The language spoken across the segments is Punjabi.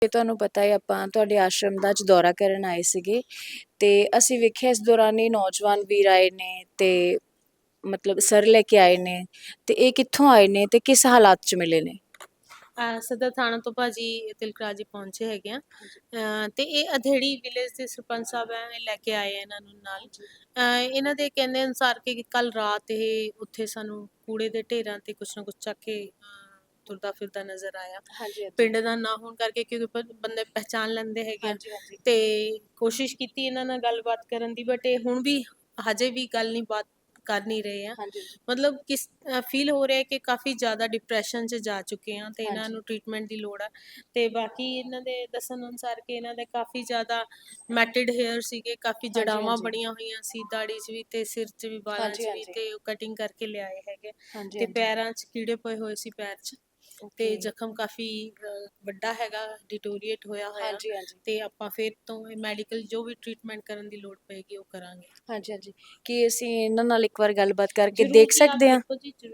ਤੇ ਤੁਹਾਨੂੰ ਪਤਾ ਹੈ ਆਪਾਂ ਤੁਹਾਡੇ ਆਸ਼ਰਮ ਦਾ ਅੱਜ ਦੌਰਾ ਕਰਨ ਆਏ ਸੀਗੇ ਤੇ ਅਸੀਂ ਵੇਖਿਆ ਇਸ ਦੌਰਾਨ ਇਹ ਨੌਜਵਾਨ ਵੀਰ ਆਏ ਨੇ ਤੇ ਮਤਲਬ ਸਰ ਲੈ ਕੇ ਆਏ ਨੇ ਤੇ ਇਹ ਕਿੱਥੋਂ ਆਏ ਨੇ ਤੇ ਕਿਸ ਹਾਲਾਤ 'ਚ ਮਿਲੇ ਨੇ। ਸਦਰ ਥਾਣਾ ਤੋਂ ਭਾਜੀ ਤਿਲਕਰਾਜ ਜੀ ਪਹੁੰਚੇ ਹੈਗੇ ਆ ਤੇ ਇਹ ਅਧੇੜੀ ਵਿਲੇਜ ਦੇ ਸਰਪੰਚ ਸਾਹਿਬ ਹੈ, ਇਹ ਲੈ ਕੇ ਆਏ ਆ ਇਹਨਾਂ ਨੂੰ ਨਾਲ। ਇਹਨਾਂ ਦੇ ਕਹਿੰਦੇ ਅਨੁਸਾਰ ਕਿ ਕੱਲ ਰਾਤ ਇਹ ਉੱਥੇ ਸਾਨੂੰ ਕੂੜੇ ਦੇ ਢੇਰਾਂ ਤੇ ਕੁਛ ਨਾ ਕੁਛ ਚੱਕ ਕੇ ਤੁਰਦਾ ਫਿਰਦਾ ਨਜ਼ਰ ਆਇਆ। ਪਿੰਡ ਦਾ ਨਾ ਹੋਣ ਕਰਕੇ ਕਿਉਂਕਿ ਬੰਦੇ ਪਹਿਚਾਣ ਲੈਂਦੇ ਹੈਗੇ ਆ ਤੇ ਕੋਸ਼ਿਸ਼ ਕੀਤੀ ਇਹਨਾਂ ਨਾਲ ਗੱਲਬਾਤ ਕਰਨ ਦੀ, ਬਟ ਇਹ ਹੁਣ ਵੀ ਹਜੇ ਵੀ ਗੱਲ ਨਹੀਂ ਬਾਤ ਕਰ ਨਹੀਂ ਰਹੇ ਆ। ਮਤਲਬ ਕਿਸ ਫੀਲ ਹੋ ਰਿਹਾ ਕਿ ਕਾਫੀ ਜ਼ਿਆਦਾ ਡਿਪਰੈਸ਼ਨ 'ਚ ਜਾ ਚੁੱਕੇ ਆ ਤੇ ਇਹਨਾਂ ਨੂੰ ਟ੍ਰੀਟਮੈਂਟ ਦੀ ਲੋੜ ਆ। ਤੇ ਬਾਕੀ ਇਹਨਾਂ ਦੇ ਦੱਸਣ ਅਨੁਸਾਰ ਕਿ ਇਹਨਾਂ ਦੇ ਕਾਫੀ ਜ਼ਿਆਦਾ ਮੈਟਿਡ ਹੇਅਰ ਸੀਗੇ, ਕਾਫੀ ਜੜਾਵਾਂ ਬਣੀਆਂ ਹੋਈਆਂ ਸੀ ਦਾੜੀ 'ਚ ਵੀ ਤੇ ਸਿਰ 'ਚ ਵੀ, ਬਾਲਾਂ 'ਚ ਵੀ, ਤੇ ਉਹ ਕਟਿੰਗ ਕਰਕੇ ਲਿਆਏ ਹੈਗੇ ਤੇ ਪੈਰਾਂ 'ਚ ਕੀੜੇ ਪਏ ਹੋਏ ਸੀ ਪੈਰ 'ਚ ਤੇ ਜ਼ਖਮ ਕਾਫੀ ਵੱਡਾ ਹੈਗਾ, ਡਿਟੋਰੀਏਟ ਹੋਇਆ ਹੋਇਆ ਤੇ ਆਪਾਂ ਫਿਰ ਤੋਂ ਮੈਡੀਕਲ ਜੋ ਵੀ ਟ੍ਰੀਟਮੈਂਟ ਕਰਨ ਦੀ ਲੋੜ ਪਏਗੀ ਉਹ ਕਰਾਂਗੇ। ਹਾਂਜੀ ਕੀ ਅਸੀਂ ਇਹਨਾਂ ਨਾਲ ਇੱਕ ਵਾਰ ਗੱਲਬਾਤ ਕਰਕੇ ਦੇਖ ਸਕਦੇ ਹਾਂ?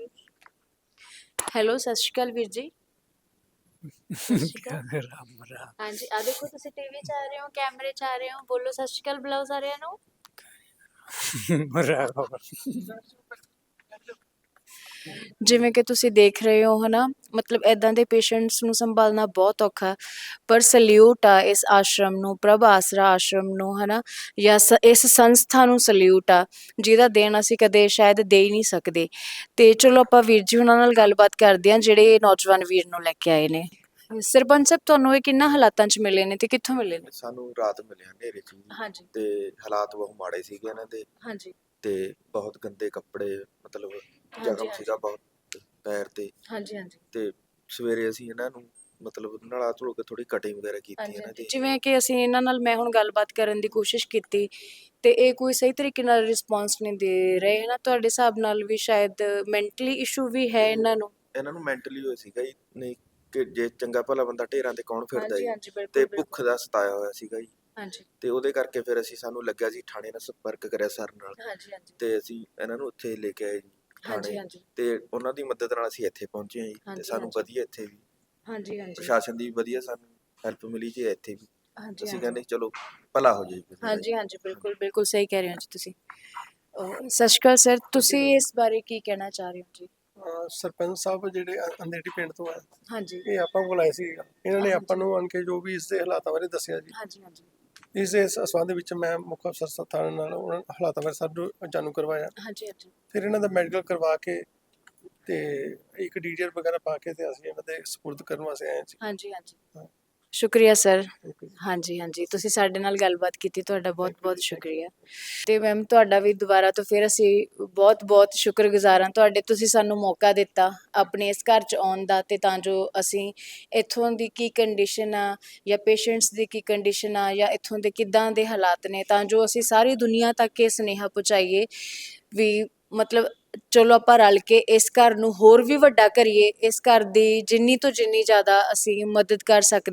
ਹੈਲੋ, ਸਤਿ ਸ਼੍ਰੀ ਅਕਾਲ ਵੀਰ ਜੀ। ਹਾਂਜੀ, ਆ ਦੇਖੋ ਤੁਸੀਂ ਟੀਵੀ 'ਚ ਆ ਰਹੇ ਹੋ, ਕੈਮਰੇ 'ਚ ਆ ਰਹੇ ਹੋ, ਬੋਲੋ ਸਤਿ ਸ਼੍ਰੀ ਅਕਾਲ ਬੁਲਾਓ ਸਾਰਿਆਂ ਨੂੰ। ਜਿਵੇਂ ਕਿ ਤੁਸੀਂ ਦੇਖ ਰਹੇ ਹੋ ਹਨਾ, ਮਤਲਬ ਇਦਾਂ ਦੇ ਪੇਸ਼ੈਂਟਸ ਨੂੰ ਸੰਭਾਲਣਾ ਬਹੁਤ ਔਖਾ, ਪਰ ਸਲੂਟ ਆ ਇਸ ਆਸ਼ਰਮ ਨੂੰ, ਪ੍ਰਭ ਆਸਰਾ ਆਸ਼ਰਮ ਨੂੰ ਹਨਾ, ਜਾਂ ਇਸ ਸੰਸਥਾ ਨੂੰ ਸਲੂਟ ਆ ਜਿਹਦਾ ਦੇਣ ਅਸੀਂ ਕਦੇ ਸ਼ਾਇਦ ਦੇ ਹੀ ਨਹੀਂ ਸਕਦੇ। ਤੇ ਚਲੋ ਆਪਾਂ ਵੀਰ ਜੀ ਉਹਨਾਂ ਨਾਲ ਗੱਲਬਾਤ ਕਰਦੇ ਹਾਂ ਜਿਹੜੇ ਨੌਜਵਾਨ ਵੀਰ ਨੂੰ ਲੈ ਕੇ ਆਏ ਨੇ। ਸਰਪੰਚ ਸਾਹਿਬ, ਤੁਹਾਨੂੰ ਇਹ ਕਿੰਨਾ ਹਾਲਾਤਾਂ 'ਚ ਮਿਲੇ ਨੇ ਤੇ ਕਿੱਥੋਂ ਮਿਲੇ ਨੇ? ਸਾਨੂੰ ਰਾਤ ਮਿਲਿਆ ਹਨੇਰੇ 'ਚ ਹਾਂਜੀ ਤੇ ਹਾਲਾਤ ਬਹੁਤ ਮਾੜੇ ਸੀਗੇ ਇਹਨਾਂ ਦੇ। ਹਾਂਜੀ ਤੇ ਬਹੁਤ ਗੰਦੇ ਕੱਪੜੇ, ਮਤਲਬ ਜ਼ਖਮ ਸੀਗਾ ਬਹੁਤ ਪੈਰ ਤੇ। ਹਾਂਜੀ ਤੇ ਸਵੇਰੇ ਅਸੀਂ ਇਹਨਾਂ ਨੂੰ ਮਤਲਬ ਨਲਾ ਧੋ ਕੇ ਥੋੜੀ ਕਟਿੰਗ ਵਗੈਰਾ ਕੀਤੀ ਇਹਨਾਂ ਦੀ। ਜਿਵੇਂ ਕਿ ਅਸੀਂ ਇਹਨਾਂ ਨਾਲ ਮੈਂ ਹੁਣ ਗੱਲਬਾਤ ਕਰਨ ਦੀ ਕੋਸ਼ਿਸ਼ ਕੀਤੀ ਤੇ ਇਹ ਕੋਈ ਸਹੀ ਤਰੀਕੇ ਨਾਲ ਰਿਸਪੌਂਸ ਨਹੀਂ ਦੇ ਰਹੇ ਨਾ, ਤੁਹਾਡੇ ਹਿਸਾਬ ਨਾਲ ਵੀ ਸ਼ਾਇਦ ਮੈਂਟਲੀ ਇਸ਼ੂ ਵੀ ਹੈ ਇਹਨਾਂ ਨੂੰ ਮੈਂਟਲੀ ਹੋਇਆ ਸੀਗਾ ਜੀ, ਨਹੀਂ ਕਿ ਜੇ ਚੰਗਾ ਭਲਾ ਬੰਦਾ ਢੇਰਾਂ ਤੇ ਕੌਣ ਫਿਰਦਾ ਜੀ, ਤੇ ਤੇ ਭੁੱਖ ਦਾ ਸਤਾਇਆ ਹੋਇਆ ਸੀਗਾ ਜੀ। ਹਾਂਜੀ ਤੇ ਉਹਦੇ ਕਰਕੇ ਫਿਰ ਸਾਨੂੰ ਲੱਗਿਆ ਜੀ ਥਾਣੇ ਨਾਲ ਸੰਪਰਕ ਕਰਿਆ ਸਰ ਨਾਲ, ਤੇ ਅਸੀਂ ਇਹਨਾਂ ਨੂੰ ਉੱਥੇ ਲੈ ਕੇ ਆਏ ਜੀ ਥਾਣੇ, ਤੇ ਉਹਨਾਂ ਦੀ ਮਦਦ ਨਾਲ ਅਸੀਂ ਇੱਥੇ ਪਹੁੰਚੇ ਹਾਂ ਜੀ। ਤੇ ਸਾਨੂੰ ਵਧੀਆ ਇੱਥੇ ਵੀ ਪ੍ਰਸ਼ਾਸਨ ਦੀ ਵਧੀਆ ਸਾਨੂੰ ਹੈਲਪ ਮਿਲੀ ਜੀ ਇੱਥੇ ਵੀ। ਅਸੀਂ ਕਹਿੰਦੇ ਚਲੋ ਭਲਾ ਹੋ ਜਾਏ। ਹਾਂਜੀ ਬਿਲਕੁਲ ਸਹੀ ਕਹਿ ਰਹੇ ਹੋ ਜੀ ਤੁਸੀਂ। ਸਤਿ ਸ਼੍ਰੀ ਅਕਾਲ ਸਰ, ਤੁਸੀਂ ਇਸ ਬਾਰੇ ਕੀ ਕਹਿਣਾ ਚਾਹ ਰਹੇ ਹੋ ਜੀ? ਸਰਪੰਚ ਸਾਹਿਬ ਜਿਹੜੇ ਅੰਦੇੜੀ ਪਿੰਡ ਤੋਂ ਆ, ਹਾਂਜੀ ਇਹ ਆਪਾਂ ਕੋਲ ਆਏ ਸੀ। ਇਹਨਾਂ ਨੇ ਆਪਾਂ ਨੂੰ ਆਣ ਕੇ ਜੋ ਵੀ ਇਸ ਦੇ ਹਾਲਾਤਾਂ ਬਾਰੇ ਦੱਸਿਆ ਜੀ। ਇਸ ਦੇ ਸੰਬੰਧ ਵਿੱਚ ਮੈਂ ਮੁੱਖ ਅਫਸਰ ਥਾਣੇ ਨਾਲ ਉਹਨਾਂ ਹਾਲਾਤਾਂ ਬਾਰੇ ਸਭ ਨੂੰ ਜਾਣੂ ਕਰਵਾਇਆ। ਫਿਰ ਇਹਨਾਂ ਦਾ ਮੈਡੀਕਲ ਕਰਵਾ ਕੇ ਤੇ ਇੱਕ ਡੀਟੇਲ ਵਗੈਰਾ ਪਾ ਕੇ ਤੇ ਅਸੀਂ ਇਹਨਾਂ ਦੇ ਸਪੁਰਦ ਕਰਨ ਵਾਸਤੇ ਆਏ ਸੀ। ਹਾਂਜੀ ਸ਼ੁਕਰੀਆ ਸਰ। ਹਾਂਜੀ ਤੁਸੀਂ ਸਾਡੇ ਨਾਲ ਗੱਲਬਾਤ ਕੀਤੀ, ਤੁਹਾਡਾ ਬਹੁਤ ਸ਼ੁਕਰੀਆ। ਤੇ ਮੈਮ ਤੁਹਾਡਾ ਵੀ ਦੁਬਾਰਾ ਤੋਂ ਫਿਰ ਅਸੀਂ ਬਹੁਤ ਸ਼ੁਕਰਗੁਜ਼ਾਰ ਹਾਂ ਤੁਹਾਡੇ, ਤੁਸੀਂ ਸਾਨੂੰ ਮੌਕਾ ਦਿੱਤਾ ਆਪਣੇ ਇਸ ਘਰ 'ਚ ਆਉਣ ਦਾ, ਤੇ ਤਾਂ ਜੋ ਅਸੀਂ ਇੱਥੋਂ ਦੀ ਕੀ ਕੰਡੀਸ਼ਨ ਆ ਜਾਂ ਪੇਸ਼ੈਂਟਸ ਦੀ ਕੀ ਕੰਡੀਸ਼ਨ ਆ ਜਾਂ ਇੱਥੋਂ ਦੇ ਕਿੱਦਾਂ ਦੇ ਹਾਲਾਤ ਨੇ, ਤਾਂ ਜੋ ਅਸੀਂ ਸਾਰੀ ਦੁਨੀਆ ਤੱਕ ਇਹ ਸੁਨੇਹਾ ਪਹੁੰਚਾਈਏ ਵੀ ਮਤਲਬ ਚਲੋ ਆਪਾਂ ਰਲ ਕੇ ਇਸ ਘਰ ਨੂੰ ਹੋਰ ਵੀ ਵੱਡਾ ਕਰੀਏ, ਇਸ ਘਰ ਦੀ ਜਿੰਨੀ ਤੋਂ ਜਿੰਨੀ ਜ਼ਿਆਦਾ ਅਸੀਂ ਮਦਦ ਕਰ ਸਕਦੇ